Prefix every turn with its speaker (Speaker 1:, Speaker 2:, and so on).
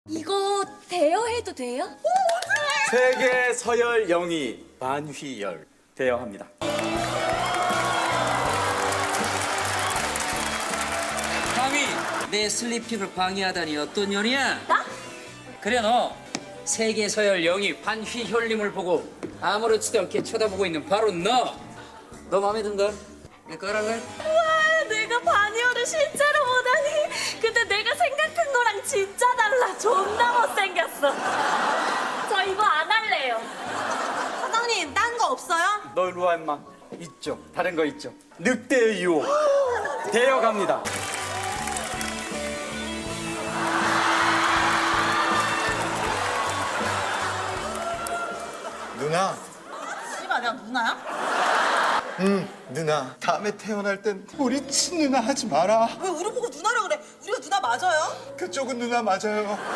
Speaker 1: 이거 대여해도 돼요?
Speaker 2: 세계 서열 영희 반휘열 대여합니다.
Speaker 3: 감히 내 슬리핑을 방해하다니 어떤 년이야?
Speaker 1: 나?
Speaker 3: 그래 너 세계 서열 영희 반휘혈님을 보고 아무렇지도 않게 쳐다보고 있는 바로 너 마음에 든가? 내 거라고 해?
Speaker 1: 와, 내가 반이어를 실제로 보다니. 근데 내가 생각한 거랑 진짜 달라. 존나 못생겼어. 저 이거 안 할래요.
Speaker 4: 사장님, 딴 거 없어요?
Speaker 2: 너 일로 와 임마. 있죠. 다른 거 있죠. 늑대의 유혹 대여갑니다.
Speaker 5: 누나,
Speaker 4: 씨발, 내가 누나야?
Speaker 5: 누나. 다음에 태어날 땐 우리 친누나 하지 마라.
Speaker 4: 왜 우리 보고 누나라 그래? 우리가 누나 맞아요?
Speaker 5: 그쪽은 누나 맞아요.